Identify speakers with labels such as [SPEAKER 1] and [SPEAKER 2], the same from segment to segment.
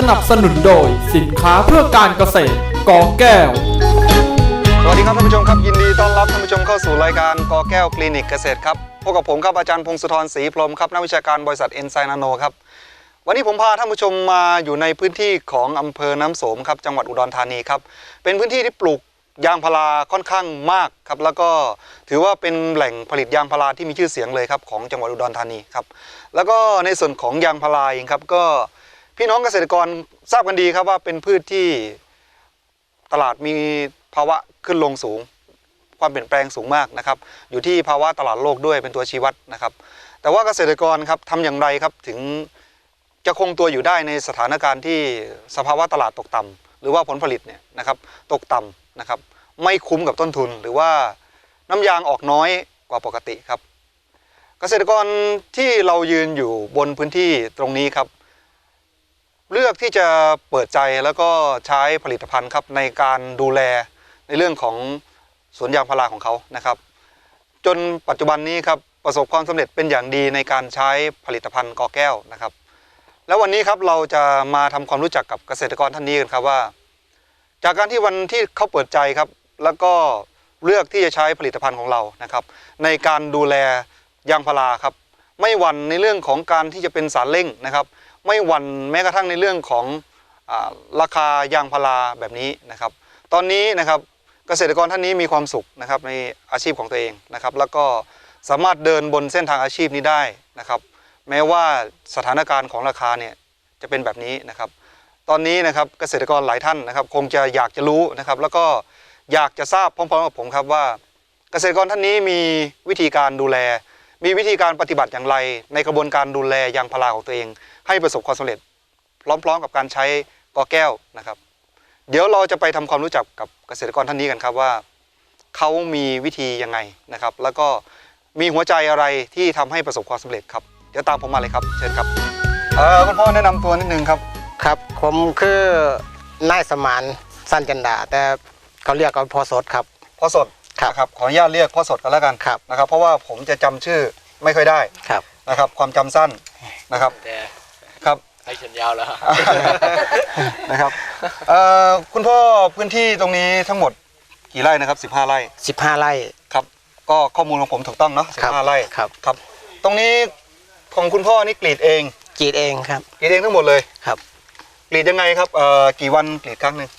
[SPEAKER 1] นับสนุนโดยสินค้าเพื่อการเกษตรกอแก้ว
[SPEAKER 2] สวัสดีครับท่านผู้ชมครับยินดีต้อนรับท่านผู้ชมเข้าสู่รายการกอแก้วคลินิกเกษตรครับพบกับผมครับอาจารย์พงศธรศรีพรหมครับนักวิชาการบริษัทเอนไซม์นาโนครับวันนี้ผมพาท่านผู้ชมมาอยู่ในพื้นที่ของอำเภอน้ำโสมครับจังหวัดอุดรธานีครับเป็นพื้นที่ที่ปลูกยางพาราค่อนข้างมากครับแล้วก็ถือว่าเป็นแหล่งผลิตยางพาราที่มีชื่อเสียงเลยครับของจังหวัดอุดรธานีครับแล้วก็ในส่วนของยางพาราเองครับก็พี่น้องเกษตรกรทราบกันดีครับว่าเป็นพืชที่ตลาดมีภาวะขึ้นลงสูงความเปลี่ยนแปลงสูงมากนะครับอยู่ที่ภาวะตลาดโลกด้วยเป็นตัวชี้วัดนะครับแต่ว่าเกษตรกรครับทำอย่างไรครับถึงจะคงตัวอยู่ได้ในสถานการณ์ที่สภาวะตลาดตกต่ำหรือว่าผลผลิตเนี่ยนะครับตกต่ำนะครับไม่คุ้มกับต้นทุนหรือว่าน้ำยางออกน้อยกว่าปกติครับเกษตรกรที่เรายืนอยู่บนพื้นที่ตรงนี้ครับเลือกที่จะเปิดใจแล้วก็ใช้ผลิตภัณฑ์ครับในการดูแลในเรื่องของสวนยางพาราของเขานะครับจนปัจจุบันนี้ครับประสบความสำเร็จเป็นอย่างดีในการใช้ผลิตภัณฑ์กอแก้วนะครับแล้ววันนี้ครับเราจะมาทำความรู้จักกับเกษตรกรท่านนี้กันครับว่าจากการที่วันที่เขาเปิดใจครับแล้วก็เลือกที่จะใช้ผลิตภัณฑ์ของเรานะครับในการดูแลยางพาราครับไม่หวั่นในเรื่องของการที่จะเป็นสารเร่งนะครับไม่หวั่นแม้กระทั่งในเรื่องของราคายางพาราแบบนี้นะครับตอนนี้นะครับเกษตรกรท่านนี้มีความสุขนะครับในอาชีพของตัวเองนะครับแล้วก็สามารถเดินบนเส้นทางอาชีพนี้ได้นะครับแม้ว่าสถานการณ์ของราคาเนี่ยจะเป็นแบบนี้นะครับตอนนี้นะครับเกษตรกรหลายท่านนะครับคงจะอยากจะรู้นะครับแล้วก็อยากจะทราบพร้อมๆกับผมครับว่าเกษตรกรท่านนี้มีวิธีการดูแลมีวิธีการปฏิบัติอย่างไรในกระบวนการดูแลยางพาราของตัวเองให้ประสบความสำเร็จพร้อมๆกับการใช้กอแก้วนะครับเดี๋ยวเราจะไปทำความรู้จักกับเกษตรกรท่านนี้กันครับว่าเขามีวิธียังไงนะครับแล้วก็มีหัวใจอะไรที่ทำให้ประสบความสำเร็จครับเดี๋ยวตามผมมาเลยครับเชิญครับคุณพ่อแนะนำตัวนิดนึงครับ
[SPEAKER 3] ครับผมคือนายสมานสั้นจันดาแต่เขาเรียกกันพ่อสดครับ
[SPEAKER 2] พ่อสดนะครับขออนุญาตเรียกพ่อสดกันแล้วกันนะครับเพราะว่าผมจะจำชื่อไม่ค่อยได้นะครับความจำสั้นนะครับครับ
[SPEAKER 4] ให้ฉันยาวแล้ว
[SPEAKER 2] นะครับคุณพ่อพื้นที่ตรงนี้ทั้งหมดกี่ไร่นะครับ15 ไร่
[SPEAKER 3] 15 ไร่
[SPEAKER 2] ครับก็ข้อมูลของผมถูกต้องเนาะ15 ไร่ครับตรงนี้ของคุณพ่อนี่กรีดเอง
[SPEAKER 3] ครับ
[SPEAKER 2] กรีดเองทั้งหมดเลย
[SPEAKER 3] ครับ
[SPEAKER 2] กรีดยังไงครับกี่วันกรีดครั้งหนึ่ง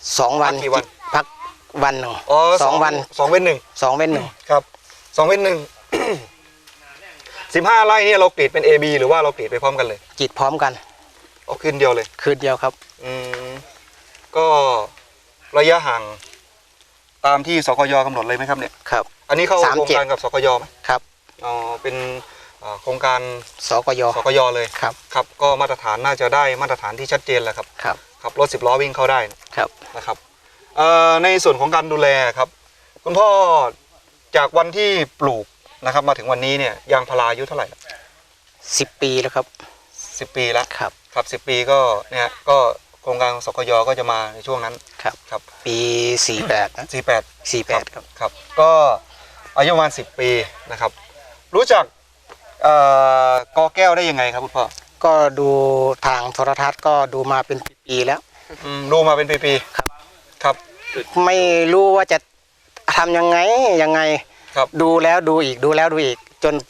[SPEAKER 3] 2 วัน
[SPEAKER 2] กี่วัน
[SPEAKER 3] พักวันหนึ่ง
[SPEAKER 2] อ๋อ
[SPEAKER 3] 2 วัน
[SPEAKER 2] 2 เว้น
[SPEAKER 3] 1
[SPEAKER 2] ครับ2 เว้น 1 15 ไร่นี่เรากรีดเป็น AB หรือว่าเรากรีดไปพร้อมกันเลย
[SPEAKER 3] กรีดพร้อมกัน
[SPEAKER 2] คืนเดียวเลย
[SPEAKER 3] คืนเดียวครับ
[SPEAKER 2] ก็ระยะห่างตามที่สกย.กำหนดเลยไหมครับเนี่ย
[SPEAKER 3] ครับ
[SPEAKER 2] อันนี้เข้าโครงการกับสกย.ไหม
[SPEAKER 3] ครับ
[SPEAKER 2] อ๋อเป็นโครงการ
[SPEAKER 3] สกย.
[SPEAKER 2] เลย
[SPEAKER 3] ครับ
[SPEAKER 2] ครับก็มาตรฐานน่าจะได้มาตรฐานที่ชัดเจนแล้วครับครับรถ10 ล้อวิ่งเข้าได้
[SPEAKER 3] ครับ
[SPEAKER 2] นะครับในส่วนของการดูแลครับคุณพ่อจากวันที่ปลูกนะครับมาถึงวันนี้เนี่ยยางพาราอายุเท่าไหร่
[SPEAKER 3] 10 ปีแล้วครับ
[SPEAKER 2] 10 ปีแล้ว
[SPEAKER 3] ครับ
[SPEAKER 2] 10 ปีก็เนี่ยก็โครงการสกย.ก็จะมาในช่วงนั้น
[SPEAKER 3] ครับปี48นะ48
[SPEAKER 2] ครับก็อายุประมาณ10 ปีนะครับรู้จักกอแก้วได้ยังไงครับคุณพ่อ
[SPEAKER 3] ก็ดูทางโทรทัศน์ก็ดูมาเป็นปีๆแล้ว
[SPEAKER 2] ดูมาเป็นปีๆครับ
[SPEAKER 3] ไม่รู้ว่าจะทำยังไง
[SPEAKER 2] ครับ
[SPEAKER 3] ดูแล้วดูอีกจน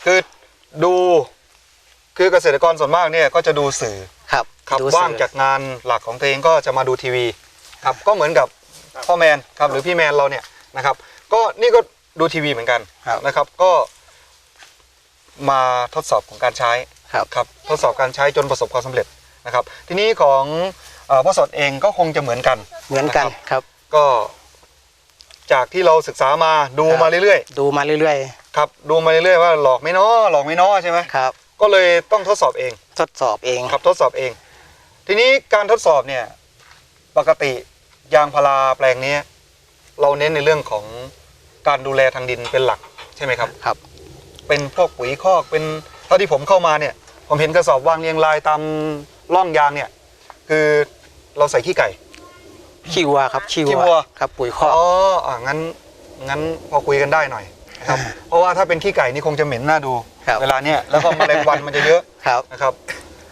[SPEAKER 2] คือเกษตรกรส่วนมากเนี่ยก็จะดูสื่อ
[SPEAKER 3] ครับ
[SPEAKER 2] ว่างจากงานหลักของตัวเองก็จะมาดูทีวีครับก็เหมือนกับพ่อแมนครับหรือพี่แมนเราเนี่ยนะครับก็นี่ก็ดูทีวีเหมือนกันนะครับก็มาทดสอบของการใช้ครับทดสอบการใช้จนประสบความสำเร็จนะครับทีนี้ของพ่อสดเองก็คงจะเหมือนกัน
[SPEAKER 3] ครับ
[SPEAKER 2] ก็จากที่เราศึกษามาดูมาเรื่อยๆครับดูมาเรื่อยๆว่าหลอกไม่น้อใช่ไหม
[SPEAKER 3] ครับ
[SPEAKER 2] ก็เลยต้องทดสอบเองครับทดสอบเองทีนี้การทดสอบเนี่ยปกติยางพาราแปลงนี้เราเน้นในเรื่องของการดูแลทางดินเป็นหลักใช่ไหมครับ
[SPEAKER 3] ครับ
[SPEAKER 2] เป็นพวกปุ๋ยคอกเป็นเท่าที่ผมเข้ามาเนี่ยผมเห็นกระสอบวางเรียงรายตามร่องยางเนี่ยคือเราใส่ขี้ไก่
[SPEAKER 3] ขี้วัวครับขี้วัวครับปุ๋ยคอก
[SPEAKER 2] งั้นพอคุยกันได้หน่อยนะครับเพราะว่าถ้าเป็นขี้ไก่นี่คงจะเหม็นน่าดูเวลาเนี้ยแล้วก็แมลงวันมันจะเยอะนะครับ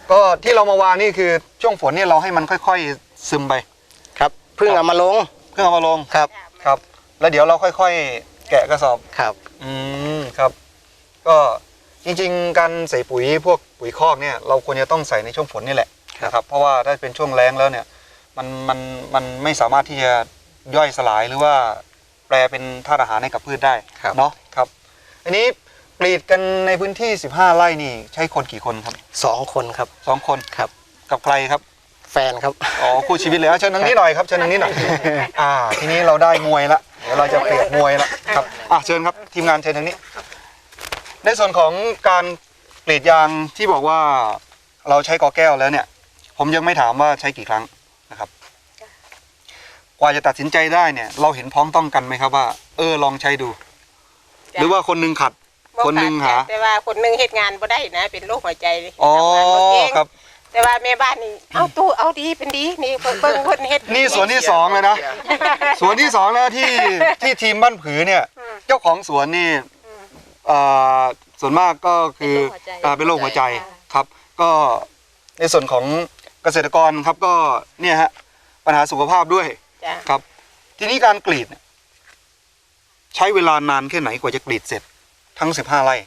[SPEAKER 2] ก็ที่เรามาวางนี่คือช่วงฝนเนี่ยเราให้มันค่อยๆซึมไป
[SPEAKER 3] ครับเพิ่งเอามาลง
[SPEAKER 2] เพื่อเอามาลง
[SPEAKER 3] ครับ
[SPEAKER 2] ครับ แล้วเดี๋ยวเราค่อยๆแกะกระสอบ
[SPEAKER 3] ครับ
[SPEAKER 2] ครับก็จริงๆการใส่ปุ๋ยพวกปุ๋ยคอกเนี่ยเราควรจะต้องใส่ในช่วงฝนนี่แหละนะครับเพราะว่าถ้าเป็นช่วงแล้งแล้วเนี่ยมันไม่สามารถที่จะย่อยสลายหรือว่าแปลเป็นธาตุอาหารให้กับพืชได้เนาะครับอันนี้กรีดกันในพื้นที่15ไร่นี่ใช้คนกี่คนครับ
[SPEAKER 3] 2 คนครับ
[SPEAKER 2] 2 คน
[SPEAKER 3] ครับ
[SPEAKER 2] กับใครครับ
[SPEAKER 3] แฟนครับ
[SPEAKER 2] อ๋อคู่ชีวิตเลยเชิญทางนี้หน่อยครับเชิญทางนี้หน่อยทีนี้เราได้มวยละเดี๋ยวเราจะเปรียบมวยละครับเชิญครับทีมงานเชิญทางนี้ ในส่วนของการกรีดยางที่บอกว่าเราใช้กอแก้วแล้วเนี่ย ผมยังไม่ถามว่าใช้กี่ครั้งนะครับ กว่าจะตัดสินใจได้เนี่ย เราเห็นพ้องต้องกันไหมครับว่าลองใช้ดู หรือว่าคนหนึงขัด คนหนึงหา
[SPEAKER 4] แต่ว่าคนหนึงเฮ็ดงานบ่ได้นะเป็นโรคหัวใจ
[SPEAKER 2] อ๋อ
[SPEAKER 4] ทำงานบ่เก่ง
[SPEAKER 2] ครับ
[SPEAKER 4] แต่ว่าแม่บ้านนี่เอาตู้เอาดีเป็นดีนี่เบิ่งคนเฮ็ด
[SPEAKER 2] นี่สวนที่2เลยนะสวนที่2แล้วที่ทีมบ้านผือเนี่ย เจ้าของสวนนี่ส่วนมากก็คือเป็นโรคหัวใจครับ ก็ในส่วนของเกษตรกรครับก็เนี่ยฮะปัญหาสุขภาพด้วย
[SPEAKER 4] จ้ะ
[SPEAKER 2] ครับ ทีนี้การกรีดเนี่ยใช้เวลานานแค่ไหนกว่าจะกรีดเสร็จทั้ง15ไร่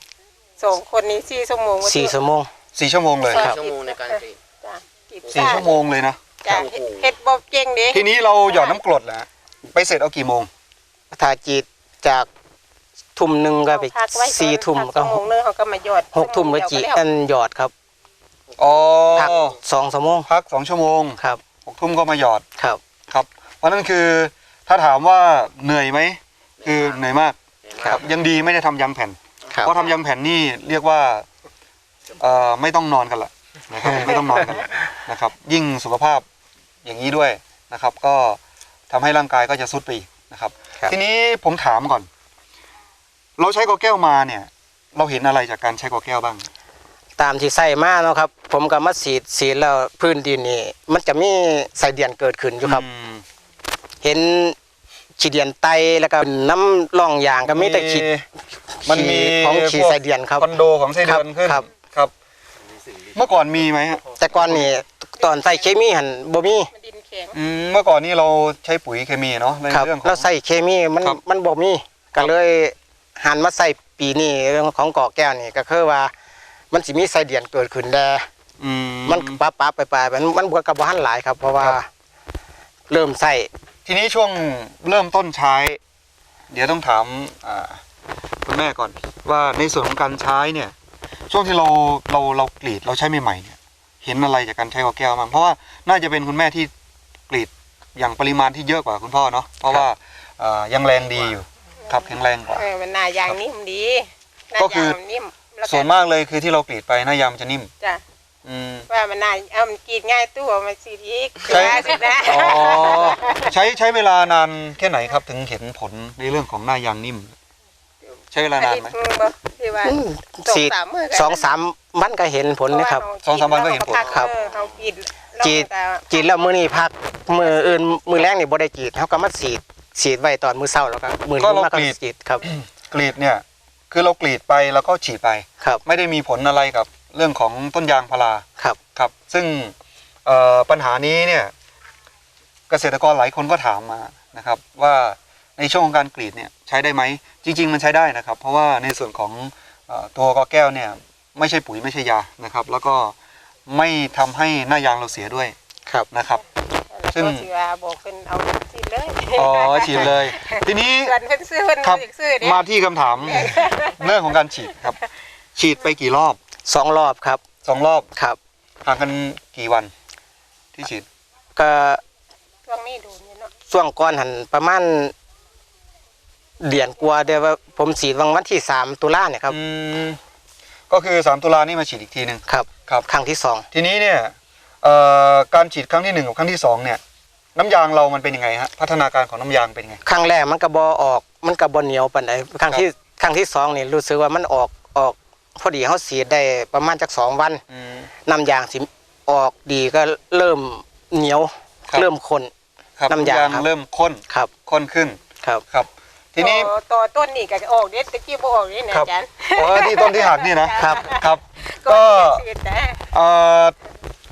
[SPEAKER 4] 2คนนี้4ชั่วโมง
[SPEAKER 3] 4 ชั่วโมง
[SPEAKER 2] 4 ชั่วโมงเลย
[SPEAKER 3] ครับ
[SPEAKER 5] ชั่วโมงในการกรีด
[SPEAKER 4] จ้ะกรีด
[SPEAKER 2] 4 ชั่วโมงเลยนะ
[SPEAKER 4] จ้ะเฮ็ดบ่เก่งเด้
[SPEAKER 2] ทีนี้เราหยอดน้ำกรดแล้วไปเสร็จเอากี่โมง
[SPEAKER 3] ถ้าจีดจากทุ่มหนึ่งก็ไป
[SPEAKER 4] พักไว้ก่อน
[SPEAKER 3] 4 ทุ่ม
[SPEAKER 4] พั
[SPEAKER 3] ก็
[SPEAKER 4] ชั่วโมงนึงเขาก็มาหยอด
[SPEAKER 3] 6 ทุ่มก็จีดอันหยอดครับ
[SPEAKER 2] อ๋อ
[SPEAKER 3] พัก2 ชั่วโมง
[SPEAKER 2] พัก2 ชั่วโมง
[SPEAKER 3] ครับ
[SPEAKER 2] 6 ทุ่มก็มาหยอด
[SPEAKER 3] ครับ
[SPEAKER 2] ครับเพราะนั่นคือถ้าถามว่าเหนื่อยไหมคือเหนื่อยมาก
[SPEAKER 3] ครับ
[SPEAKER 2] ยังดีไม่ได้ทำยางแผ่น
[SPEAKER 3] ครับ
[SPEAKER 2] เพราะทำยางแผ่นนี่เรียกว่าไม่ต้องนอนกันละนะครับไม่ต้องนอนกันละนะครับ ยิ่งสุขภาพอย่างนี้ด้วยนะครับ ก็ทำให้ร่างกายก็จะทรุดไปอีกนะครับ
[SPEAKER 3] ครับ
[SPEAKER 2] ทีนี้ผมถามก่อน เราใช้กอแก้วมาเนี่ย เราเห็นอะไรจากการใช้กอแก้วบ้าง
[SPEAKER 3] ตามที่ใส่มาเนาะครับ ผมก็มาสีดแล้วพื้นดินนี่มันจะมีไส้เดือนเกิดขึ้นอยู่ครับ เห็นขี้เดียนไตแล้วก็น้ำร่องยางก็มีแต่ขี้
[SPEAKER 2] มันมี
[SPEAKER 3] ของขี้ไส้เดือนครับ
[SPEAKER 2] คอนโดของไส้เดือนขึ้น
[SPEAKER 3] ครับ
[SPEAKER 2] ครับ เมื่อก่อนมีไหมฮะ
[SPEAKER 3] แต่ก่อนนี่ตอนใส่เคมีหันบ่มี
[SPEAKER 4] มันดินแข็ง
[SPEAKER 2] เมื่อก่อนนี่เราใช้ปุ๋ยเคมีเนาะใน
[SPEAKER 3] ครับ
[SPEAKER 2] เรื่องของ
[SPEAKER 3] แล้วใส่เคมีมัน
[SPEAKER 2] ครับ
[SPEAKER 3] มันบ่มีก็เลยหันมาใส่ปีนี้เรื่องของกอแก้วนี่ก็คือว่ามันสิมีไส้เดือนเกิดขึ้นแต่มันปั๊บไปมันบวกกับบ่หันหลายครับ เพราะว่า
[SPEAKER 2] ครับ
[SPEAKER 3] เริ่มใส่
[SPEAKER 2] ทีนี้ช่วงเริ่มต้นใช้ เดี๋ยวต้องถามคุณแม่ก่อน ว่าในส่วนของการใช้เนี่ย ช่วงที่เรากรีดเราใช้ใหม่ๆเนี่ย เห็นอะไรจากการใช้กอแก้วบ้างเพราะว่าน่าจะเป็นคุณแม่ที่กรีดอย่างปริมาณที่เยอะกว่าคุณพ่อเนาะเพราะว่ายังแรงดีอยู่ครับแข็งแรงกว่า
[SPEAKER 4] มันหน้ายางนิ่มดีหน้า
[SPEAKER 2] ก็คือ
[SPEAKER 4] ยางมันนิ่มแล้ว
[SPEAKER 2] ส่วนมากเลยคือที่เรากรีดไปหน้ายางมันจะนิ่ม
[SPEAKER 4] จ้ะ
[SPEAKER 2] อืม
[SPEAKER 4] ว่ามันหน้ามันกรีดง่ายตู้มันสิอีก
[SPEAKER 2] ใช่
[SPEAKER 4] สินะ
[SPEAKER 2] อ๋อใช้เวลานานแค่ไหนครับถึงเห็นผลในเรื่องของหน้ายางนิ่ม ใช้เวลานานไหม
[SPEAKER 4] ที่ว่า
[SPEAKER 3] สีด
[SPEAKER 4] 2-3 มื้อ
[SPEAKER 3] 2-3 วันก็เห็นผลนะครับ
[SPEAKER 2] 2-3 วันก็เห็นผล
[SPEAKER 3] ครับ
[SPEAKER 4] เขากรีด
[SPEAKER 3] จีดแล้วมื้อนี้พักมื้ออื่นมื้อแรกนี่บ่ได้จีดเฮาก็มาฉีดไว้ตอนมื้อเช้าแล้วก็มื้อ
[SPEAKER 2] ก็
[SPEAKER 3] นี้
[SPEAKER 2] เรา
[SPEAKER 3] มาก็
[SPEAKER 2] กรีด
[SPEAKER 3] ฉีดครับ
[SPEAKER 2] กรีดเนี่ยคือเรากรีดไปแล้วก็ฉีดไป
[SPEAKER 3] ครับ
[SPEAKER 2] ไม่ได้มีผลอะไรกับเรื่องของต้นยางพารา
[SPEAKER 3] ครับ
[SPEAKER 2] ครับ ซึ่งปัญหานี้เนี่ยเกษตรกรหลายคนก็ถามมานะครับ ว่าในช่วงของการกรีดเนี่ยใช้ได้ไหมจริง ๆ มันใช้ได้นะครับ เพราะว่าในส่วนของตัวกอแก้วเนี่ยไม่ใช่ปุ๋ยไม่ใช่ยานะครับ แล้วก็ไม่ทำให้หน้ายางเราเสียด้วย
[SPEAKER 3] ครับ
[SPEAKER 2] นะครับ ซึ่
[SPEAKER 4] ซึ่
[SPEAKER 2] ง
[SPEAKER 4] งว่าบอกเพิ่นเอาฉีดเลย
[SPEAKER 2] อ๋อฉีดเลย ทีนี้
[SPEAKER 4] ส่วนเพิ่นซื้อเพิ่น
[SPEAKER 2] ครับ
[SPEAKER 4] อยากซื้อเด้
[SPEAKER 2] มาที่คำถาม เรื่องของการฉีดครับ ฉีดไปกี่รอบ
[SPEAKER 3] 2 รอบครับ
[SPEAKER 2] 2 รอบ
[SPEAKER 3] ครับ
[SPEAKER 2] ห่างกันกี่วันที่ฉีด
[SPEAKER 3] ก็
[SPEAKER 4] ช่วงนี้ดูนี่เนาะ
[SPEAKER 3] ช่วงก่อนหันประมาณเดือนกว่าเดี๋ยวว่าผมฉีดวันที่3 ตุลาเนี่ยครับ
[SPEAKER 2] ก็คือ3 ตุลานี่มาฉีดอีกทีหนึ่ง
[SPEAKER 3] ครับ
[SPEAKER 2] ครับ
[SPEAKER 3] ครั้งที่
[SPEAKER 2] ทีนี้เนี่ยการฉีดครั้งที่1กับครั้งที่2เนี่ยน้ำยางเรามันเป็นยังไงฮะพัฒนาการของน้ำยางเป็นยังไง
[SPEAKER 3] ครั้งแรกมันก็บ่ออกมันก็บ่เหนียวปานใดครั้งที่2นี่รู้สึกว่ามันออกพอดีเฮาฉีดได้ประมาณจัก2 วันน้ำยางสิออกดีก็เริ่มเหนียว
[SPEAKER 2] ครับ
[SPEAKER 3] เริ่มข้น
[SPEAKER 2] ครับ
[SPEAKER 3] น้ำยางครับ
[SPEAKER 2] เริ่มข้น
[SPEAKER 3] ครับ
[SPEAKER 2] ข้นขึ้น
[SPEAKER 3] ครับ
[SPEAKER 2] ครับ ทีนี้
[SPEAKER 4] ต่อต้นนี่ก็ออกเด็ดตะกี้บ่ออกนี่นะครับ อาจารย์
[SPEAKER 2] ที่ต้นที่หักนี่นะครับ ครับ
[SPEAKER 4] ก็
[SPEAKER 2] ก็
[SPEAKER 4] ฉีดแต่
[SPEAKER 2] ใ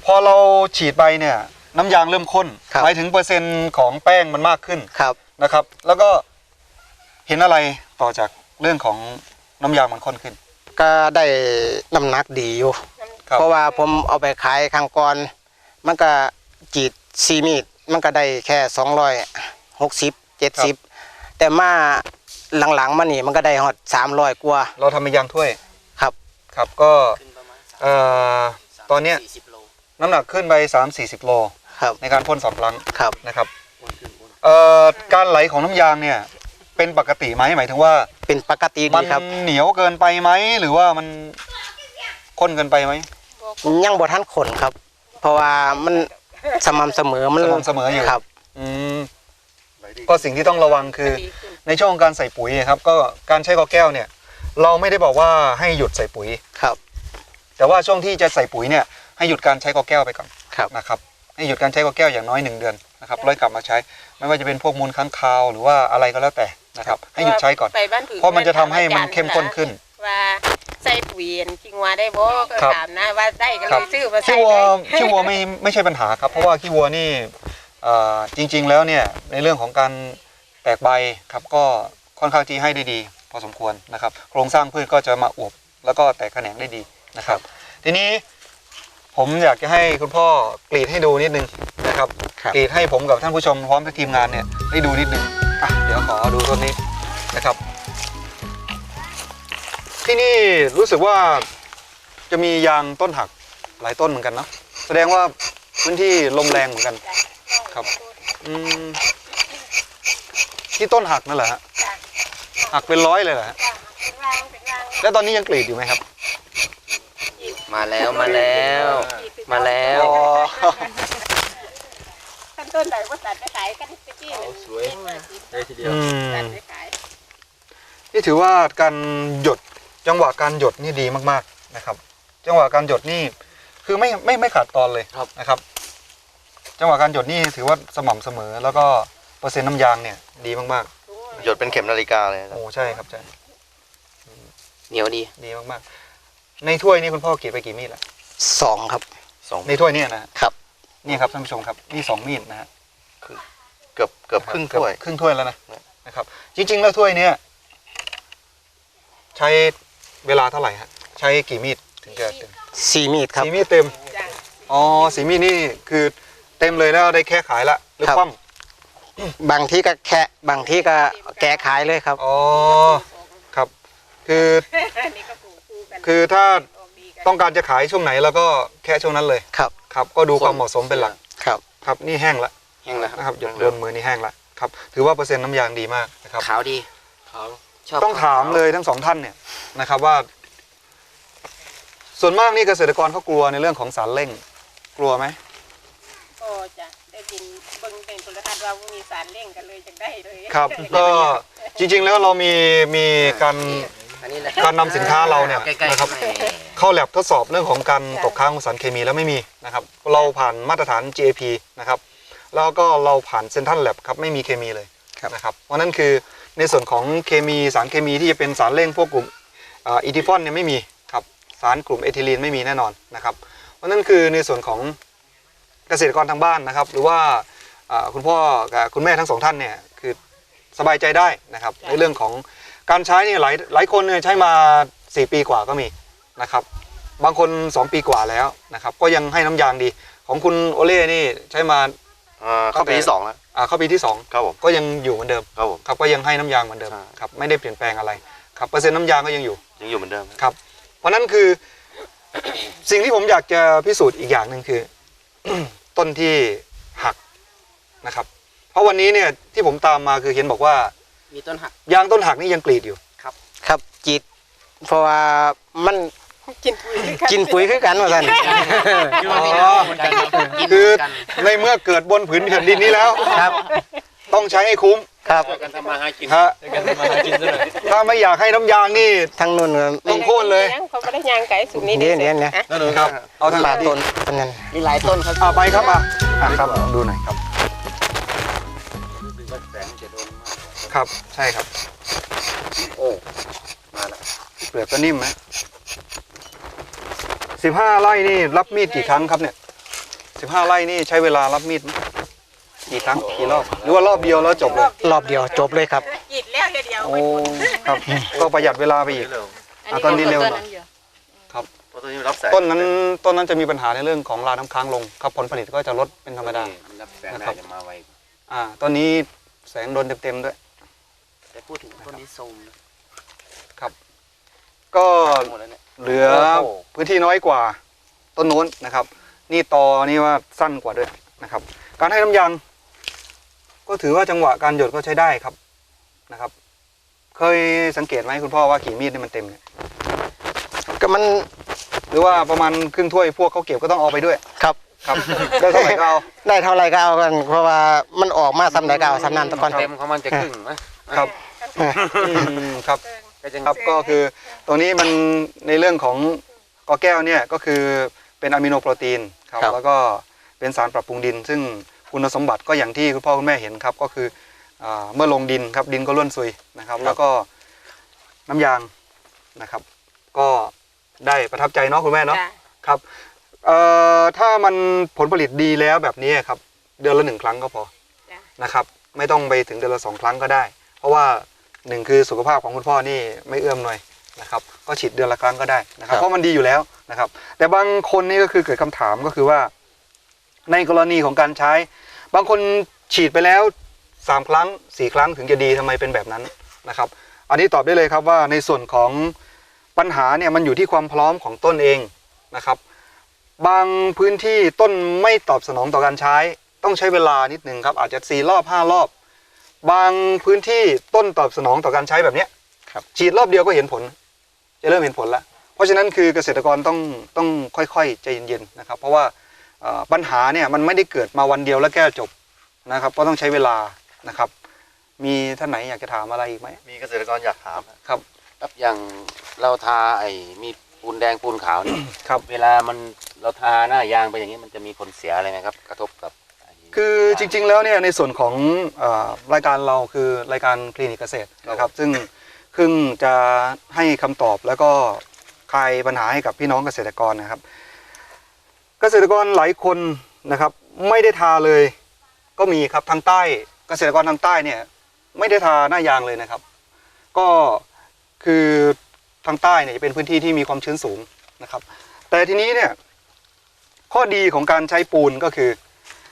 [SPEAKER 2] อเราฉีดไปเนี่ยน้ำยางเริ่มข้น
[SPEAKER 3] ครับ
[SPEAKER 2] หมายถึงเปอร์เซ็นต์ของแป้งมันมากขึ้น
[SPEAKER 3] ครับ
[SPEAKER 2] นะครับ แล้วก็เห็นอะไรต่อจากเรื่องของน้ำยางมันข้นขึ้น
[SPEAKER 3] ก็ได้น้ำหนักดีอยู่
[SPEAKER 2] ครับ
[SPEAKER 3] เพราะว่าผมเอาไปขายครั้งก่อนมันก็จีด4 มีดมันก็ได้แค่260 70แต่มาหลังๆมานี่มันก็ได้ฮอด300กว่า
[SPEAKER 2] เราทำเป็นยางถ้วย
[SPEAKER 3] ครับ
[SPEAKER 2] ครับก็ตอนเนี้ยน้ำหนักขึ้นไป3-40 โล
[SPEAKER 3] ครับ
[SPEAKER 2] ในการพ่น2 ครั้ง
[SPEAKER 3] ครับ
[SPEAKER 2] นะครับการไหลของน้ำยางเนี่ยเป็นปกติไหมหมายถึงว่า
[SPEAKER 3] เป็นปกติ
[SPEAKER 2] มั
[SPEAKER 3] ดีครับ
[SPEAKER 2] เหนียวเกินไปไหมหรือว่ามันข้นเกินไปไหม
[SPEAKER 3] ยังบ่ทันขนครับ เพราะว่ามันสม่ำเสมอมัน
[SPEAKER 2] สม่ำเสมออยู่
[SPEAKER 3] ครับ
[SPEAKER 2] อืมก็สิ่งที่ต้องระวังคือในช่วงการใส่ปุ๋ยครับก็การใช้กอแก้วเนี่ยเราไม่ได้บอกว่าให้หยุดใส่ปุ๋ย
[SPEAKER 3] ครับ
[SPEAKER 2] แต่ว่าช่วงที่จะใส่ปุ๋ยเนี่ยให้หยุดการใช้กอแก้วไปก่อน
[SPEAKER 3] ครับ
[SPEAKER 2] นะครับให้หยุดการใช้กอแก้วอย่างน้อย1 เดือนนะครับแล้วกลับมาใช้ไม่ว่าจะเป็นพวกมูลค้างคาวหรือว่าอะไรก็แล้วแต่นะครับให้หยุดใช้ก่อน
[SPEAKER 4] ไปบ้านผือ
[SPEAKER 2] เพราะมันจะทำให้มันเข้มข้นขึ้น
[SPEAKER 4] ว่าใส่ปุ๋ยจริงว่าได้บ่ก็
[SPEAKER 2] ครับ
[SPEAKER 4] ถามนะว่าได้ก็
[SPEAKER 2] ค
[SPEAKER 4] เล
[SPEAKER 2] รับ
[SPEAKER 4] ยซื้อมาใส่
[SPEAKER 2] ขี้วัวไม่ใช่ปัญหาครับเพราะว่าขี้วัวนี่จริงๆแล้วเนี่ยในเรื่องของการแตกใบครับก็ค่อนข้างที่ให้ได้ดีพอสมควรนะครับโครงสร้างพืชก็จะมาอวบแล้วก็แตกแขนงได้ดีนะครับ ทีนี้ผมอยากจะให้คุณพ่อกรีดให้ดูนิดนึงนะครับ
[SPEAKER 3] ครับ
[SPEAKER 2] กรีดให้ผมกับท่านผู้ชมพร้อมทั้งทีมงานเนี่ยได้ดูนิดนึงเดี๋ยวขอดูต้นนี้นะครับ ที่นี่รู้สึกว่าจะมียางต้นหักหลายต้นเหมือนกันเนาะแสดงว่าพื้นที่ลมแรงเหมือนกันครับที่ต้นหักนั่นแหละฮะหักเป็น100เลยเหรอฮะแล้วตอนนี้ยังกรีดอยู่ไหมครับ
[SPEAKER 3] มาแล้วมาแล้ว
[SPEAKER 4] ขั้นต้นไหนว่าตัดไปขายกันตะกี้สวยได้ทีเดียวตัดไปขาย
[SPEAKER 2] นี่ถือว่าการหยดจังหวะการหยดนี่ดีมากๆนะครับ จังหวะการหยดนี่คือไม่ขาดตอนเลยนะครับ จังหวะการหยดนี่ถือว่าสม่ำเสมอแล้วก็เปอร์เซ็นต์น้ำยางเนี่ยดีมาก
[SPEAKER 5] หยดเป็นเข็มนาฬิกาเลย
[SPEAKER 2] ๆโอ้ใช่ครับใช่
[SPEAKER 3] เหนียวดี
[SPEAKER 2] ดีมากๆในถ้วยนี่คุณพ่อกรีดไปกี่มีดละ
[SPEAKER 3] 2ครับ
[SPEAKER 2] ในถ้วยเนี่ยนะครับ นี่ครับท่านผู้ชมครับนี่2 มีดนะฮะ
[SPEAKER 5] เกือบครึ่งถ้วย
[SPEAKER 2] ครึ่งถ้วยแล้วนะครับ จริงๆแล้วถ้วยเนี้ยใช้เวลาเท่าไหร่ฮะใช้กี่มีดถึงจะเต็ม
[SPEAKER 3] 4 มีดครับ
[SPEAKER 2] 4 มีดเต็มอ๋อ4 มีดนี่คือเต็มเลยแล้วได้แค่ขายละหรือ
[SPEAKER 3] ครับ
[SPEAKER 2] คว่
[SPEAKER 3] บางที่ก็แคะบางที่ก็แกะขายเลยครับ
[SPEAKER 2] ำอ๋อครับคือ
[SPEAKER 4] นี่ก็ปลูกคู่กัน
[SPEAKER 2] คือถ้า
[SPEAKER 4] ออกดีกัน
[SPEAKER 2] ต้องการจะขายช่วงไหนแล้วก็แค่ช่วงนั้นเลย
[SPEAKER 3] ครับ
[SPEAKER 2] ครับก็ดูความเหมาะสมเป็นหลัก
[SPEAKER 3] ครับ
[SPEAKER 2] ครับนี่แห้งละ
[SPEAKER 3] แห้งแล้ว
[SPEAKER 2] นะครับหยดโดนมือนี่แห้งละครับถือว่าเปอร์เซ็นต์น้ำยางดีมากนะครับ
[SPEAKER 3] ขาวดีขาวชอบ
[SPEAKER 2] ต้องถามเลยทั้ง2 ท่านเนี่ยนะครับว่า ส่วนมากนี่เกษตรกรเขากลัวในเรื่องของสารเร่งกลัวไหม
[SPEAKER 4] ก็จะได้ยินเบิ่งเป็นโทรทัศน์ว่ามีสารเร่งกันเลยจังได้เลย
[SPEAKER 2] ครับก็จริงๆแล้วเรามีการนำสินค้าเราเนี่ยนะครับเข้าแลบทดสอบเรื่องของการตกค้างของสารเคมีแล้วไม่มีนะครับเราผ่านมาตรฐาน GAP นะครับแล้วก็เราผ่านเซ็นทรัลแลบครับไม่มีเคมีเลยนะครับเพราะนั่นคือในส่วนของเคมีสารเคมีที่จะเป็นสารเร่งพวกกลุ่มอีทิฟอนเนี่ยไม่มีครับสารกลุ่มเอทิลีนไม่มีแน่นอนนะครับเพราะนั่นคือในส่วนของเกษตรกรทางบ้านนะครับหรือว่าคุณพ่อกับคุณแม่ทั้ง2 ท่านเนี่ยคือสบายใจได้นะครับในเรื่องของการใช้นี่หลายคนเนี่ยใช้มา4 ปีกว่าก็มีนะครับบางคน 2 ปีกว่าแล้วนะครับก็ยังให้น้ำยางดีของคุณโอเล่นี่ใช้มา
[SPEAKER 5] เข้าปีที่2แล้ว
[SPEAKER 2] เข้าปีที่2
[SPEAKER 5] ครับผม
[SPEAKER 2] ก็ยังอยู่เหมือนเดิม
[SPEAKER 5] ครับผม
[SPEAKER 2] ครับก็ยังให้น้ำยางเหมือนเดิม
[SPEAKER 5] ใช่
[SPEAKER 2] ครับไม่ได้เปลี่ยนแปลงอะไรครับเปอร์เซ็นต์น้ำยางก็ยังอยู่
[SPEAKER 5] ยังอยู่เหมือนเดิม
[SPEAKER 2] ครับเพราะนั้นคือ สิ่งที่ผมอยากจะพิสูจน์อีกอย่างหนึ่งคือ ต้นที่หักนะครับเพราะวันนี้เนี่ยที่ผมตามมาคือเห็นบอกว่า
[SPEAKER 3] มีต้นหัก
[SPEAKER 2] ยางต้นหักนี่ยังกรีดอยู่
[SPEAKER 3] ครับจีดเพราะว่ามัน
[SPEAKER 4] กินปุ๋ย
[SPEAKER 3] กินปุ๋ยคือกันว่าซั่น
[SPEAKER 2] คือในเมื่อเกิดบนผืนแผ่นดินนี้แล้ว
[SPEAKER 3] ครับ
[SPEAKER 2] ต้องใช้ให้คุ้ม
[SPEAKER 3] ครับ
[SPEAKER 2] ฮะถ้าไม่อยากให้น้ำยางนี่
[SPEAKER 3] ทั้งนู่นก็
[SPEAKER 2] ต้องโค่นเลย
[SPEAKER 4] เขาไม่ได้ยางไก่สูงนี้
[SPEAKER 3] เนี่ย
[SPEAKER 2] ครับเอาทาง
[SPEAKER 3] ปลา
[SPEAKER 2] ที่
[SPEAKER 3] ต้นต้นนั้นมีหลายต้นครับ
[SPEAKER 2] ไปครับครับดูหน่อยครับครับใช่ครับโอ้มาแล้วเปลือกก็นิ่มไหม15 ไร่นี่รับมีดกี่ครั้งครับเนี่ย 15 ไร่นี่ใช้เวลารับมีดไหมกี่ครั้งกี่รอบหรือว่ารอบเดียวแล้วจบเลย
[SPEAKER 3] รอบเดียวจบเลยครับ
[SPEAKER 4] กรีดแล้วเดียว
[SPEAKER 2] โอ้ครับก็ประหยัดเวลาไปอีก ต้นนี้เร็วหน่อย
[SPEAKER 5] เพราะต้นนี้รับแสง
[SPEAKER 2] ต้นนั้นจะมีปัญหาในเรื่องของราน้ำค้างลงครับผลผลิตก็จะลดเป็นธรรมดา
[SPEAKER 6] รับแสงได้จะมาไว
[SPEAKER 2] ต้นนี้แสงโดนเต็มๆด้วย
[SPEAKER 5] แต่พูดถึงต้นนี้โทรมนะ
[SPEAKER 2] ก็
[SPEAKER 5] หมดแล้วเนี่ย
[SPEAKER 2] เหลือพื้นที่น้อยกว่าต้นโน้นนะครับ นี่ตอนี่ว่าสั้นกว่าด้วยนะครับ การให้น้ำยางก็ถือว่าจังหวะการหยดก็ใช้ได้ครับนะครับ เคยสังเกตไหมคุณพ่อว่ากี่มีดนี่มันเต็มเนี่ย
[SPEAKER 3] ก็มัน
[SPEAKER 2] หรือว่าประมาณครึ่งถ้วยพวกเขาเก็บก็ต้องเอาไปด้วย
[SPEAKER 3] ครับ
[SPEAKER 2] ครับ ได้เท่าไหร่ก็เอา
[SPEAKER 3] ได้เท่าไรก็เอากัน เพราะว่ามันออกมาซ้ำใดก็เอาซ้ำนั้นตะก่อน
[SPEAKER 6] เต็มของมันจะครึ่งนะครับ
[SPEAKER 2] ครับ
[SPEAKER 6] ก็จะ
[SPEAKER 2] ครับก็คือตัวนี้มันในเรื่องของกอแก้วเนี่ยก็คือเป็นอะมิโนโปรตีนครับ
[SPEAKER 3] ครับ
[SPEAKER 2] แล้วก็เป็นสารปรับปรุงดิน ซึ่งคุณสมบัติก็อย่างที่คุณพ่อคุณแม่เห็นครับก็คือเมื่อลงดินครับดินก็ร่วนซุยนะครับ แล้วก็น้ำยางนะครับ ก็ได้ประทับใจเนาะคุณแม่เนาะ
[SPEAKER 4] จ้ะ
[SPEAKER 2] ครับถ้ามันผลผลิตดีแล้วแบบนี้ครับเดือนละ1 ครั้งก็พอ
[SPEAKER 4] จ้ะ
[SPEAKER 2] นะครับไม่ต้องไปถึงเดือนละ2 ครั้งก็ได้ เพราะว่า1คือสุขภาพของคุณพ่อนี่ไม่เอื้อมหน่อยนะครับก็ฉีดเดือนละครั้งก็ได้นะครับเพราะมันดีอยู่แล้วนะครับ แต่บางคนนี่ก็คือเกิดคำถามก็คือว่า ในกรณีของการใช้ บางคนฉีดไปแล้ว3 ครั้ง4 ครั้งถึงจะดีทำไมเป็นแบบนั้นนะครับ อันนี้ตอบได้เลยครับว่าในส่วนของปัญหาเนี่ยมันอยู่ที่ความพร้อมของต้นเองนะครับ บางพื้นที่ต้นไม่ตอบสนองต่อการใช้ต้องใช้เวลานิดนึงครับอาจจะ4 รอบ5 รอบ บางพื้นที่ต้นตอบสนองต่อการใช้แบบเนี้ย
[SPEAKER 3] ครับ
[SPEAKER 2] ฉีดรอบเดียวก็เห็นผล จะเริ่มเห็นผลแล้วเพราะฉะนั้นคือเกษตรกรต้องค่อยๆใจเย็นๆนะครับ เพราะว่าปัญหาเนี่ยมันไม่ได้เกิดมาวันเดียวแล้วแก้จบนะครับก็ต้องใช้เวลานะครับ มีท่านไหนอยากจะถามอะไรอีกไหม
[SPEAKER 5] มีเกษตรกรอยากถามนะ
[SPEAKER 2] ครับ
[SPEAKER 6] ครับอย่างเราทาไอ้มีปูนแดงปูนขาวเนี่ย
[SPEAKER 2] ครับ
[SPEAKER 6] เวลามันเราทาหน้ายางไปอย่างนี้มันจะมีผลเสียอะไรไหมครับ กระทบกับไอ้
[SPEAKER 2] คือจริงๆแล้วเนี่ยในส่วนของรายการเราคือรายการคลินิกเกษตรนะครับซึ่งจะให้คำตอบแล้วก็คลายปัญหาให้กับพี่น้องเกษตรกรนะครับ เกษตรกรหลายคนนะครับไม่ได้ทาเลยก็มีครับทางใต้เกษตรกรทางใต้เนี่ยไม่ได้ทาหน้ายางเลยนะครับ ก็คือทางใต้เนี่ยจะเป็นพื้นที่ที่มีความชื้นสูงนะครับ แต่ทีนี้เนี่ยข้อดีของการใช้ปูนก็คือ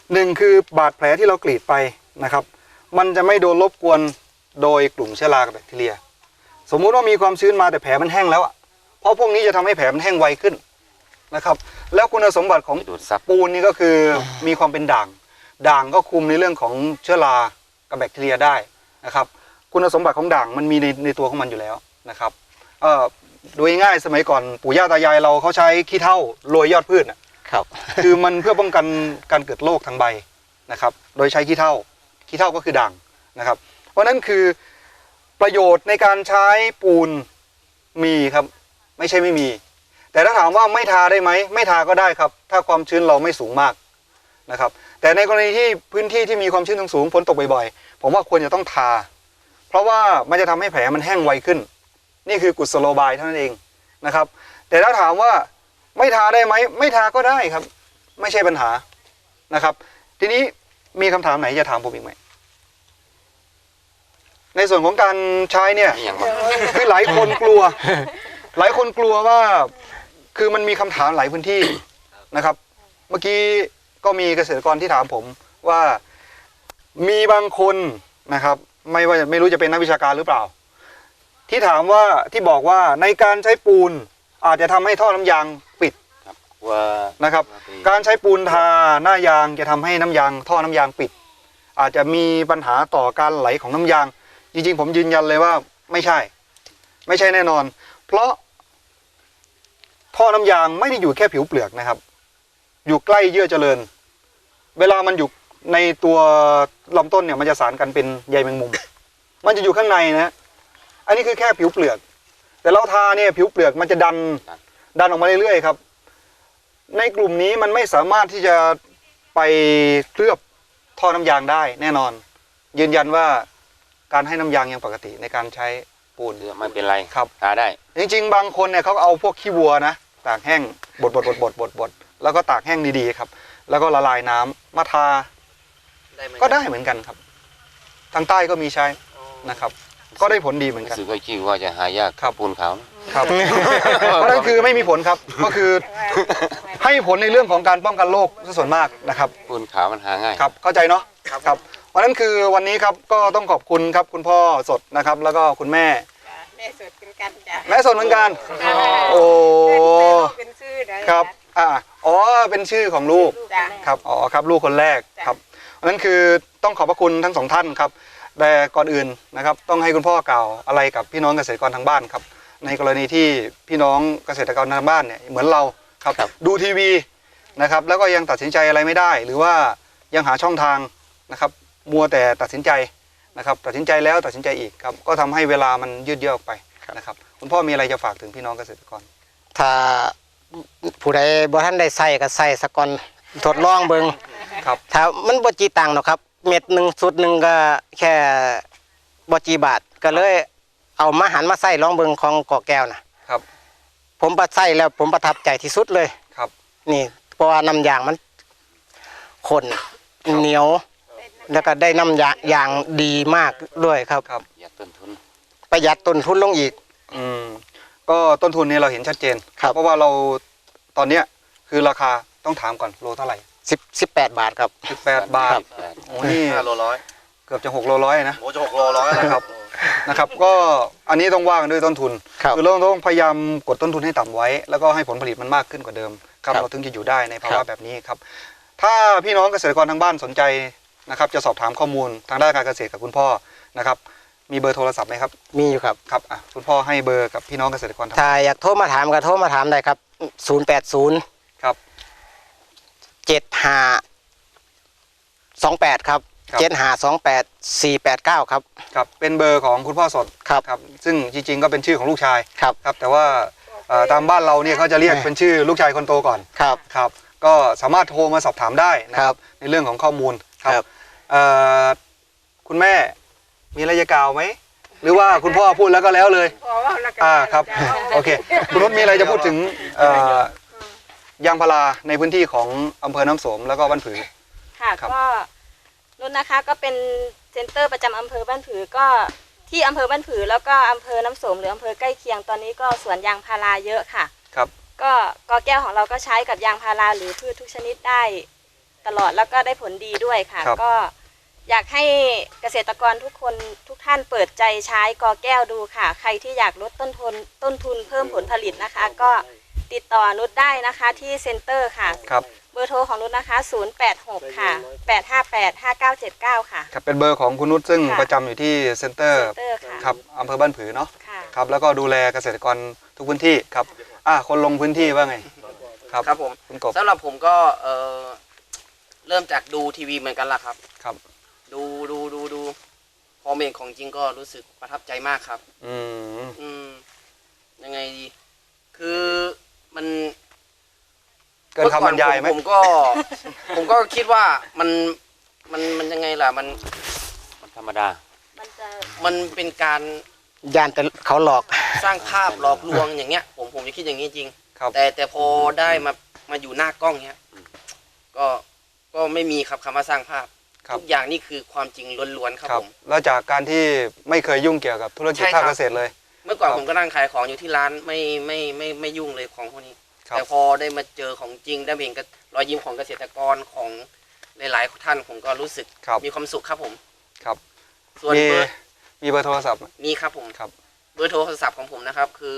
[SPEAKER 2] 1คือบาดแผลที่เรากรีดไปนะครับ มันจะไม่โดนรบกวนโดยกลุ่มเชื้อรากับแบคทีเรีย สมมุติว่ามีความชื้นมาแต่แผลมันแห้งแล้วอ่ะเพราะพวกนี้จะทำให้แผลมันแห้งไวขึ้นนะครับ แล้วคุณสมบัติของ
[SPEAKER 6] ดูดซับ
[SPEAKER 2] ปูนนี่ก็คือมีความเป็นด่าง ด่างก็คุมในเรื่องของเชื้อรากับแบคทีเรียได้นะครับ คุณสมบัติของด่างมันมีในตัวของมันอยู่แล้วนะครับโดยง่ายสมัยก่อนปู่ย่าตายายเราเขาใช้ขี้เถ้าโรยยอดพืชน่ะ
[SPEAKER 3] ครับ
[SPEAKER 2] คือมันเพื่อป้องกันการเกิดโรคทางใบนะครับ โดยใช้ขี้เถ้าก็คือด่างนะครับ เพราะนั้นคือประโยชน์ในการใช้ปูนมีครับไม่ใช่ไม่มี แต่ถ้าถามว่าไม่ทาได้ไหมไม่ทาก็ได้ครับ ถ้าความชื้นเราไม่สูงมากนะครับ แต่ในกรณีที่พื้นที่ที่มีความชื้นสูงฝนตกบ่อยๆผมว่าควรจะต้องทา เพราะว่ามันจะทำให้แผลมันแห้งไวขึ้น นี่คือกุศโลบายเท่านั้นเองนะครับ แต่ถ้าถามว่าไม่ทาได้ไหมไม่ทาก็ได้ครับ ไม่ใช่ปัญหานะครับ ทีนี้มีคำถามไหนจะถามผมอีกไหมในส่วนของการใช้เนี่ย
[SPEAKER 6] อย่างว่า
[SPEAKER 2] คือหลายคนกลัว หลายคนกลัวว่าคือมันมีคำถามหลายพื้นที่นะครับ เมื่อกี้ก็มีเกษตรกรที่ถามผมว่ามีบางคนนะครับ ไม่รู้จะเป็นนักวิชาการหรือเปล่า ที่ถามว่าที่บอกว่าในการใช้ปูนอาจจะทำให้ท่อน้ำยางปิด
[SPEAKER 6] ว่า
[SPEAKER 2] นะครับ การใช้ปูนทาหน้ายางจะทำให้น้ำยางท่อน้ำยางปิด อาจจะมีปัญหาต่อการไหลของน้ำยาง จริงๆผมยืนยันเลยว่าไม่ใช่แน่นอน เพราะท่อน้ำยางไม่ได้อยู่แค่ผิวเปลือกนะครับ อยู่ใกล้เยื่อเจริญ เวลามันอยู่ในตัวลำต้นเนี่ยมันจะสานกันเป็นใยแมงมุม มันจะอยู่ข้างในนะ อันนี้คือแค่ผิวเปลือก แต่เราทาเนี่ยผิวเปลือกมันจะดันออกมาเรื่อยๆครับ ในกลุ่มนี้มันไม่สามารถที่จะไปเคลือบท่อน้ำยางได้แน่นอน ยืนยันว่าการให้น้ำยางยังปกติในการใช้ปูน
[SPEAKER 6] ไม่เป็นไร
[SPEAKER 2] ครับ
[SPEAKER 6] ทาได้
[SPEAKER 2] จริงๆบางคนเนี่ยเขาเอาพวกขี้วัวนะตากแห้งบดแล้วก็ตากแห้งดีๆครับแล้วก็ละลายน้ำมาทาก็ได้เหมือนกันครับทางใต้ก็มีใช้นะครับก็ได้ผลดีเหมือนกัน
[SPEAKER 6] รู้สึกว่าชื่อว่าจะหายาก
[SPEAKER 2] ครับ
[SPEAKER 6] ปูนขาวนะครับ
[SPEAKER 2] เพราะนั่นคือไม่มีผลครับก็คือให้ผลในเรื่องของการป้องกันโรคซะส่วนมากนะครับ
[SPEAKER 6] ปูนขาวมันหาง่าย
[SPEAKER 2] ครับเข้าใจเนาะครับเพราะนั้นคือวันนี้ครับก็ต้องขอบคุณครับคุณพ่อสดนะครับ แล้วก็คุณแม่
[SPEAKER 4] จ้ะแม่สดเป็นกันจ้ะ
[SPEAKER 2] แม่สดเหมือนกันโอ้
[SPEAKER 4] เป็นชื่อเลย
[SPEAKER 2] ครับอ๋อเป็นชื่อของลูก
[SPEAKER 4] จ้ะ
[SPEAKER 2] ครับอ๋อครับลูกคนแรกครับเพราะฉะนั้นคือต้องขอบพระคุณทั้งสองท่านครับแต่ก่อนอื่นนะครับต้องให้คุณพ่อกล่าวอะไรกับพี่น้องเกษตรกรทางบ้านครับในกรณีที่พี่น้องเกษตรกรทางบ้านเนี่ยเหมือนเราครับดูทีวีนะครับแล้วก็ยังตัดสินใจอะไรไม่ได้ หรือว่ายังหาช่องทางนะครับมัวแต่ตัดสินใจนะครับตัดสินใจแล้วตัดสินใจอีกครับก็ทำให้เวลามันยืดเยื้อออกไปนะครับคุณพ่อมีอะไรจะฝากถึงพี่น้องเกษตรกร
[SPEAKER 3] ถ้าผู้ใดบ่ทันได้ใส่ก็ใส่สักก่อนทดลองเบิ่ง
[SPEAKER 2] ครับ
[SPEAKER 3] ถ้ามันบ่จีตังค์หรอกครับเม็ดหนึ่งสุดหนึ่งก็แค่บ่จีบาทก็เลยเอามาหันมาใส่ลองเบิ่งของกอแก้วนะครับ ผมประใส่แล้วผมประทับใจที่สุดเลย
[SPEAKER 2] ครับ
[SPEAKER 3] นี่เพราะว่าน้ำยางมันข้นเหนียว แล้วก็ได้น้ำยางดีมากด้วยครับ
[SPEAKER 2] ครับ
[SPEAKER 6] อยากต้นทุน
[SPEAKER 3] ประหยัดต้นทุนลงอีก
[SPEAKER 2] ก็ต้นทุนนี้เราเห็นชัดเจน
[SPEAKER 3] ครับ
[SPEAKER 2] เพราะว่าเราตอนเนี้ยคือราคาต้องถามก่อนโลเท่าไหร่
[SPEAKER 3] 18 บาทครับ
[SPEAKER 2] 18 บาท
[SPEAKER 3] ครับ
[SPEAKER 2] โอ้นี่
[SPEAKER 5] 5 โลร้อย
[SPEAKER 2] เกือบจะ6 โลร้อยนะ
[SPEAKER 5] โอ้จะ6 โลร้อยแล้วครับ
[SPEAKER 2] นะครับก็อันนี้ต้องว่ากันด้วยต้นทุน
[SPEAKER 3] ครับ
[SPEAKER 2] อเราต้องพยายามกดต้นทุนให้ต่ำไว้ แล้วก็ให้ผลผลิตมันมากขึ้นกว่าเดิมครับ
[SPEAKER 3] ครับ
[SPEAKER 2] เราถึงจะอยู่ได้ในภา
[SPEAKER 3] ครั
[SPEAKER 2] วะ
[SPEAKER 3] บ
[SPEAKER 2] แบบนี้ครับถ้าพี่น้องเกษตรกรทางบ้านสนใจนะครับจะสอบถามข้อมูลทางด้านการเกษตรกับคุณพ่อนะครับมีเบอร์โทรศัพท์ไหมครับ
[SPEAKER 3] มีอยู่ครับ
[SPEAKER 2] ครับคุณพ่อให้เบอร์กับพี่น้องเกษตรกรทาง
[SPEAKER 3] ถ้าอยากโทรมาถามก็โทรมาถามได้ครับ 080
[SPEAKER 2] ครับ
[SPEAKER 3] 7528 ครับ 7528 489 ครับ
[SPEAKER 2] ครับเป็นเบอร์ของคุณพ่อสด
[SPEAKER 3] ครับ
[SPEAKER 2] ครับซึ่งจริงๆก็เป็นชื่อของลูกชาย
[SPEAKER 3] ครับ
[SPEAKER 2] ครับแต่ว่าตามบ้านเราเนี่ยเขาจะเรียกเป็นชื่อลูกชายคนโตก่อน
[SPEAKER 3] ครับ
[SPEAKER 2] ครับก็สามารถโทรมาสอบถามได้นะครับในเรื่องของข้อมูลครับ
[SPEAKER 3] ครับ
[SPEAKER 2] คุณแม่มีอะไรจะกล่าวไหมหรือว่าคุณพ่อพูดแล้วก็แล้วเลย
[SPEAKER 4] พอว่าแล้วก็
[SPEAKER 2] ครับ
[SPEAKER 4] จ้ะ
[SPEAKER 2] โอเคคุณนุชมีอะไรจะพูดถึงยางพาราในพื้นที่ของอำเภอน้ำโสมแล้วก็บ้านผือ
[SPEAKER 7] ค่ะ
[SPEAKER 2] ครับ
[SPEAKER 7] ก็นุ่นนะคะก็เป็นเซ็นเตอร์ประจำอำเภอบ้านผือก็ที่อำเภอบ้านผือแล้วก็อำเภอน้ำโสมหรืออำเภอใกล้เคียงตอนนี้ก็สวนยางพาราเยอะค่ะ
[SPEAKER 2] ครับ
[SPEAKER 7] ก็กอแก้วของเราก็ใช้กับยางพาราหรือพืชทุกชนิดได้ตลอดแล้วก็ได้ผลดีด้วยค่ะ
[SPEAKER 2] ครับ
[SPEAKER 7] ก็อยากให้เกษตรกรทุกคนทุกท่านเปิดใจใช้กอแก้วดูค่ะ ใครที่อยากลดต้นทุนเพิ่มผลผลิตนะคะ ก็ติดต่อนุชได้นะคะที่เซ็นเตอร์ค่ะ
[SPEAKER 2] ครับ
[SPEAKER 7] เบอร์โทรของนุชนะคะ 086 ค่ะ 858 5979 ค่ะ
[SPEAKER 2] ครับเป็นเบอร์ของคุณนุชซึ่ง
[SPEAKER 7] ค่ะ
[SPEAKER 2] ประจำอยู่ที่เซ็นเตอร์
[SPEAKER 7] เซ็นเตอร์ค่ะ
[SPEAKER 2] ครับอำเภอบ้านผือเนาะ
[SPEAKER 7] ค่ะ
[SPEAKER 2] ครับแล้วก็ดูแลเกษตรกรทุกพื้นที่ครับคนลงพื้นที่ว่าไงครับ
[SPEAKER 8] ครับผม
[SPEAKER 2] คุณกบ
[SPEAKER 8] สำหรับผมก็เริ่มจากดูทีวีเหมือนกันล่ะครับ
[SPEAKER 2] ครับ
[SPEAKER 8] ดูพอเมนของจริงก็รู้สึกประทับใจมากครับ
[SPEAKER 2] อืม
[SPEAKER 8] ยังไงดีคือมัน
[SPEAKER 2] เกินคำบรรยายไหม
[SPEAKER 8] ผมก็คิดว่ามันยังไงล่ะมัน
[SPEAKER 6] มันธรรมดา
[SPEAKER 7] มันจะ
[SPEAKER 8] มันเป็นการ
[SPEAKER 3] ย่านแต่เขาหลอก
[SPEAKER 8] สร้างภาพหลอกลวงอย่างเงี้ย ผมจะคิดอย่างนี้จริง
[SPEAKER 2] ครับ
[SPEAKER 8] แต่พอได้มาอยู่หน้ากล้องเนี้ยก็ไม่มีครับคำว่าสร้างภาพ
[SPEAKER 2] ครับ
[SPEAKER 8] ทุกอย่างนี่คือความจริงล้วนๆครับผม
[SPEAKER 2] แล้วจากการที่ไม่เคยยุ่งเกี่ยวกับธุรกิจ
[SPEAKER 8] ใช่ครั
[SPEAKER 2] ภา
[SPEAKER 8] บ
[SPEAKER 2] คเกษตรเลย
[SPEAKER 8] เมื่อก่อน
[SPEAKER 2] ครับ
[SPEAKER 8] ผมก็นั่งขายของอยู่ที่ร้านไม่ยุ่งเลยของพวกนี้
[SPEAKER 2] ครับ
[SPEAKER 8] แต่พอได้มาเจอของจริงได้เห็นกับรอยยิ้มของเกษตรกรของหลายๆท่านผมก็รู้สึก
[SPEAKER 2] ครับ
[SPEAKER 8] มีความสุขครับผม
[SPEAKER 2] ครับ
[SPEAKER 8] ส่วน
[SPEAKER 2] มี
[SPEAKER 8] เบอร์
[SPEAKER 2] มีเบอร์โทรศัพท์ไหม
[SPEAKER 8] มีครับผม
[SPEAKER 2] ครับ
[SPEAKER 8] เบอร์โทรศัพท์ของผมนะครับคือ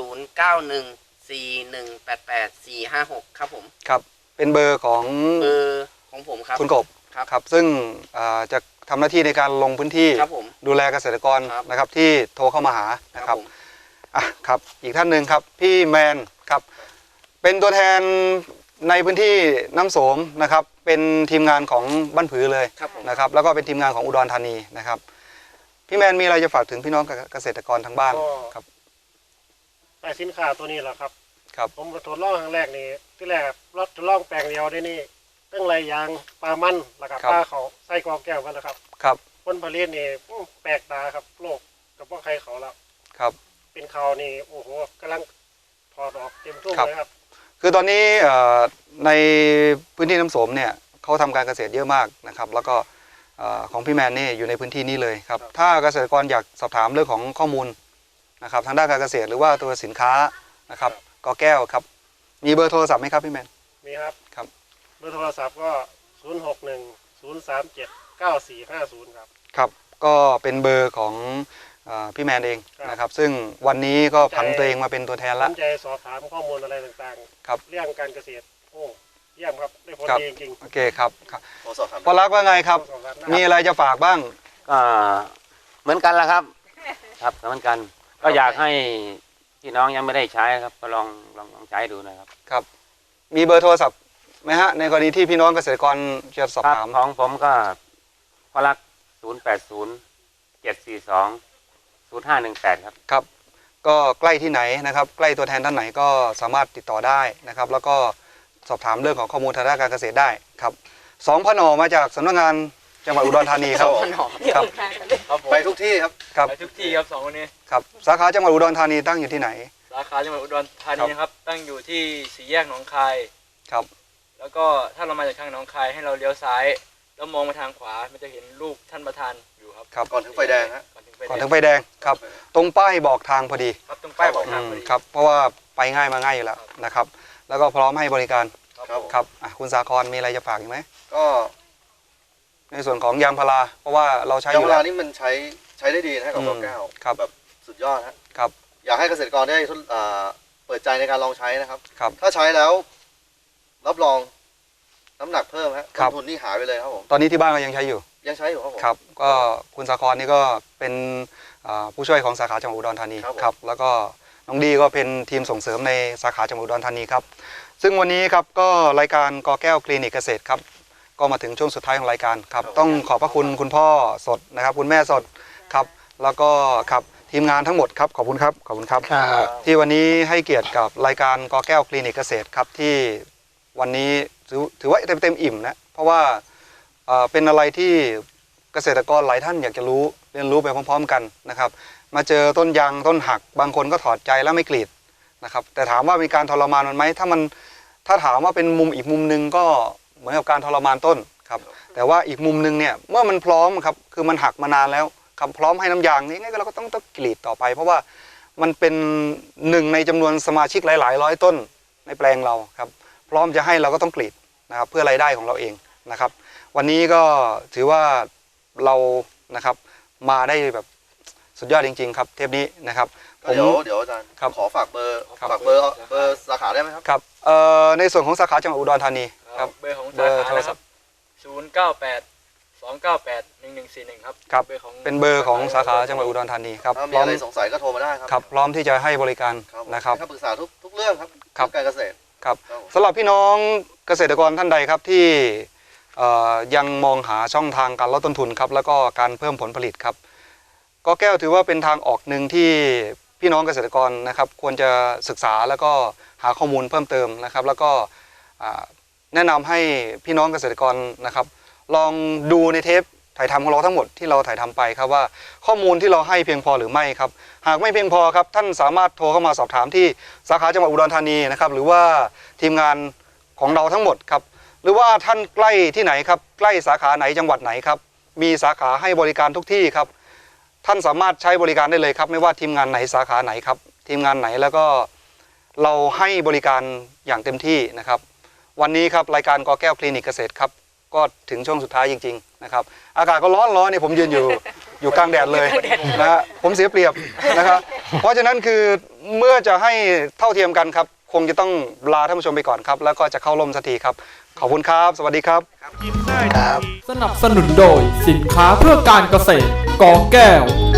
[SPEAKER 8] 0914188456 ครับผม
[SPEAKER 2] ครับเป็นเบอร์ของ
[SPEAKER 8] เบอร์ของผมครับ
[SPEAKER 2] คุณกบ
[SPEAKER 8] ครับ
[SPEAKER 2] ครับซึ่งจะทำหน้าที่ในการลงพื้นที่
[SPEAKER 8] ครับผม
[SPEAKER 2] ดูแลเกษตรกร
[SPEAKER 8] ครับ
[SPEAKER 2] นะครับที่โทรเข้ามาหานะครับ
[SPEAKER 8] ผม
[SPEAKER 2] ครับอีกท่านหนึ่งครับพี่แมนครับเป็นตัวแทนในพื้นที่น้ำโสมนะครับเป็นทีมงานของบ้านผือเลย
[SPEAKER 8] ครับผม
[SPEAKER 2] นะครับแล้วก็เป็นทีมงานของอุดรธานีนะครับพี่แมนมีอะไรจะฝากถึงพี่น้องเกษตรกรทางบ้าน
[SPEAKER 9] ก็
[SPEAKER 2] ครับ
[SPEAKER 9] แต่สินค้าตัวนี้แหละครับ
[SPEAKER 2] ครับ
[SPEAKER 9] ผมทดลองครั้งแรกนี่ที่แรกรถทดลองแปลงเดียวได้นี่ตั้งไรยางปลามันแล้วก็ปลาเขาใส่กอแก้วกันแล้วครับ
[SPEAKER 2] ครับ
[SPEAKER 9] ผลผลิตนี่แปลกตาครับโลกกับพวกใครเขาแล้ว
[SPEAKER 2] ครับ
[SPEAKER 9] เป็นเขานี่โอ้โหกำลังถอดออกเต็มทุ่ง
[SPEAKER 2] ครับ
[SPEAKER 9] เลยครับ
[SPEAKER 2] คือตอนนี้ในพื้นที่น้ำโสมเนี่ยเขาทำการเกษตรเยอะมากนะครับแล้วก็ของพี่แมนนี่อยู่ในพื้นที่นี้เลยครับถ้าเกษตรกรอยากสอบถามเรื่องของข้อมูลนะครับทางด้านการเกษตรหรือว่าตัวสินค้านะครับกอแก้วครับมีเบอร์โทรศัพท์ไหมครับพี่แมน
[SPEAKER 9] มีครับ
[SPEAKER 2] ครับ
[SPEAKER 9] เบอร์โทรศัพท์ก็061-037-9450ครับ
[SPEAKER 2] ครับก็เป็นเบอร์ของพี่แมนเองนะครับซึ่งวันนี้ก็ผันตัวเองมาเป็นตัวแทน
[SPEAKER 9] ส
[SPEAKER 2] ละ
[SPEAKER 9] นใจสอบถามข้อมูลอะไรต่าง
[SPEAKER 2] ครับ
[SPEAKER 9] ๆเรื่องการเกษตรโอ้เยี่ยมครับได้ผล
[SPEAKER 2] ครับ
[SPEAKER 9] ดีจริง
[SPEAKER 2] โอเคครับครับ
[SPEAKER 5] ขอสอบถาม
[SPEAKER 2] พอรักว่าไงครับ
[SPEAKER 9] ๆสอบถามได้
[SPEAKER 2] มีอะไรจะฝากบ้าง
[SPEAKER 6] ก็เหมือนกันละครับ ครับเหมือนกัน ก็อยากให้พี่น้องยังไม่ได้ใช้ครับก็ลองใช้ดูนะครับ
[SPEAKER 2] ครับมีเบอร์โทรศัพท์ไหมฮะในกรณีที่พี่น้องเกษตรกรจะสอบ
[SPEAKER 6] ครับ
[SPEAKER 2] ถาม
[SPEAKER 6] ของผมก็พลัก080-742-0518ครับ
[SPEAKER 2] ครับก็ใกล้ที่ไหนนะครับใกล้ตัวแทนท่านไหนก็สามารถติดต่อได้นะครับแล้วก็สอบถามเรื่องของข้อมูลทางด้านการเกษตรได้ครับสองพนมาจากสำนักงานจังหวัดอุดรธานีครับครับ
[SPEAKER 5] ไปทุกที่ครับ
[SPEAKER 2] ครับ
[SPEAKER 10] ไปทุกที่ครับสองคนนี้
[SPEAKER 2] ครับสาขาจังหวัดอุดรธานีตั้งอยู่ที่ไหน
[SPEAKER 10] สาขาจังหวัดอุดรธานีนะครับตั้งอยู่ที่สี่แยกหนองคาย
[SPEAKER 2] ครับ
[SPEAKER 10] แล้วก็ถ้าเรามาจากทางหนองคายให้เราเลี้ยวซ้ายแล้วมองไปทางขวามันจะเห็นรูปท่านประธานอยู่ครับ
[SPEAKER 2] ครับ
[SPEAKER 5] ก่อนถึงไฟแดงฮะ
[SPEAKER 10] ก่อนถึงไฟ
[SPEAKER 2] ก่อน
[SPEAKER 10] แด
[SPEAKER 2] ถึ
[SPEAKER 10] ง
[SPEAKER 2] งไฟแดงครับตรงป้ายบอกทางพอดี
[SPEAKER 10] ครับตรงป้ายบอกทางพอดี
[SPEAKER 2] ครับเพราะว่าไปง่ายมาง่ายอยู่แล้วนะครับแล้วก็พร้อมให้บริการ
[SPEAKER 5] ครับ
[SPEAKER 2] ครับคุณสาครมีอะไรจะฝากอีกไหม
[SPEAKER 5] ก็
[SPEAKER 2] ในส่วนของยางพาราเพราะว่าเราใช้อย
[SPEAKER 5] าง
[SPEAKER 2] ยู่
[SPEAKER 5] พา
[SPEAKER 2] แล้
[SPEAKER 5] ราว นี่มันใช้ได้ดีนะฮะกับกอแก้ว
[SPEAKER 2] ครับ
[SPEAKER 5] แบบสุดยอดฮะ
[SPEAKER 2] ครับ
[SPEAKER 5] อยากให้เกษตรกรได้เปิดใจในการลองใช้นะครับ
[SPEAKER 2] ครับ
[SPEAKER 5] ถ้าใช้แล้วรับรองน้ำหนักเพิ่มฮะ
[SPEAKER 2] ครั
[SPEAKER 5] ต้
[SPEAKER 2] บ
[SPEAKER 5] นทุนนี่หายไปเลยครับผม
[SPEAKER 2] ตอนนี้ที่บ้านก็ยังใช้อยู่
[SPEAKER 5] ยังใช้อยู่ครับผม
[SPEAKER 2] ครับก็คุณสาครนี่ก็เป็นผู้ช่วยของสาขาจังหวัดอุดรธานี
[SPEAKER 5] ครับผม
[SPEAKER 2] ครับแล้วก็น้องดีก็เป็นทีมส่งเสริมในสาขาจังหวัดอุดรธานีครับซึ่งวันนี้ครับก็รายการกอแก้วคลินิกเกษตรครับก็มาถึงช่วงสุดท้ายของรายการครับต้องขอบพระคุณคุณพ่อสดนะครับคุณแม่สดครับแล้วก็ครับทีมงานทั้งหมดครับขอบคุณครับขอบคุณครับ ที่วันนี้ให้เกียรติกับรายการกอแก้วคลินิกเกษตรครับที่วันนี้ถือว่าเต็มอิ่มนะเพราะว่าเป็นอะไรที่เกษตรกรหลายท่านอยากจะรู้เรียนรู้ไปพร้อมๆกันนะครับมาเจอต้นยางต้นหักบางคนก็ถอดใจแล้วไม่กรีดนะครับแต่ถามว่ามีการทรมานมันไหมถ้าถามว่าเป็นมุมอีกมุมนึงก็เหมือนกับการทรมานต้นครับแต่ว่าอีกมุมนึงเนี่ยเมื่อมันพร้อมครับคือมันหักมานานแล้วครับพร้อมให้น้ำยางนี่งั้นเราก็ต้องกรีดต่อไป เพราะว่ามันเป็นหนึ่งในจำนวนสมาชิกหลายๆร้อยต้นในแปลงเราครับพร้อมจะให้เราก็ต้องกรีดนะครับเพื่อรายได้ของเราเองนะครับวันนี้ก็ถือว่าเรานะครับมาได้แบบสุดยอดจริงๆครับเทปนี้นะครับ
[SPEAKER 5] ก็เดี๋ยวอาจารย์
[SPEAKER 2] ครับ
[SPEAKER 5] ขอฝากเบอร์
[SPEAKER 2] ครับ
[SPEAKER 5] เบอร์สาขาได้ไหมครับ
[SPEAKER 2] ครับในส่วนของสาขาจังหวัดอุดรธานีครับ
[SPEAKER 10] เบอร์ของ
[SPEAKER 2] เบ
[SPEAKER 10] สา
[SPEAKER 2] อร์
[SPEAKER 10] ขา
[SPEAKER 2] โทร
[SPEAKER 10] นะค
[SPEAKER 2] ศั
[SPEAKER 10] รั
[SPEAKER 2] พ
[SPEAKER 10] บ
[SPEAKER 2] ท์
[SPEAKER 10] 098-298-1141ครับ
[SPEAKER 2] ครับ
[SPEAKER 10] เบอร์ของ
[SPEAKER 2] เป็นเบอร์ของสาขาจังหวัดอุดรธานีครับ
[SPEAKER 5] ถ้า
[SPEAKER 2] พ
[SPEAKER 5] มี
[SPEAKER 2] ร้อม
[SPEAKER 5] อะไรสงสัยก็โทรมาได้ครับ
[SPEAKER 2] ครับพร้อมที่จะให้บริการ
[SPEAKER 5] ครับผม
[SPEAKER 2] นะครับ
[SPEAKER 5] ให้คำปรึกษาทุกเรื่องครับ
[SPEAKER 2] ครับ
[SPEAKER 5] เรื่องการเกษตร
[SPEAKER 2] ครับ
[SPEAKER 5] ครับผม
[SPEAKER 2] สำหรับพี่น้องเกษตรกรท่านใดครับที่ยังมองหาช่องทางการลดต้นทุนครับแล้วก็การเพิ่มผลผลิตครับกอแก้วถือว่าเป็นทางออกหนึ่งที่พี่น้องเกษตรกรนะครับควรจะศึกษาแล้วก็หาข้อมูลเพิ่มเติมนะครับแล้วก็แนะนำให้พี่น้องเกษตรกรนะครับลองดูในเทปถ่ายทำของเราทั้งหมดที่เราถ่ายทำไปครับว่าข้อมูลที่เราให้เพียงพอหรือไม่ครับหากไม่เพียงพอครับท่านสามารถโทรเข้ามาสอบถามที่สาขาจังหวัดอุดรธานีนะครับหรือว่าทีมงานของเราทั้งหมดครับหรือว่าท่านใกล้ที่ไหนครับใกล้สาขาไหนจังหวัดไหนครับมีสาขาให้บริการทุกที่ครับท่านสามารถใช้บริการได้เลยครับไม่ว่าทีมงานไหนสาขาไหนครับทีมงานไหนแล้วก็เราให้บริการอย่างเต็มที่นะครับวันนี้ครับรายการกอแก้วคลินิกเกษตรครับก็ถึงช่วงสุดท้ายจริงๆนะครับอากาศก็ร้อนเนี่ยผมยืนอยู่กลางแดดเลยนะฮะผมเสียเปรียบนะครับเพราะฉะนั้นคือเมื่อจะให้เท่าเทียมกันครับคงจะต้องลาท่านผู้ชมไปก่อนครับแล้วก็จะเข้าร่มสักทีครับขอบคุณครับสวัสดีครับ
[SPEAKER 1] สนับสนุนโดยสินค้าเพื่อการเกษตรกอแก้ว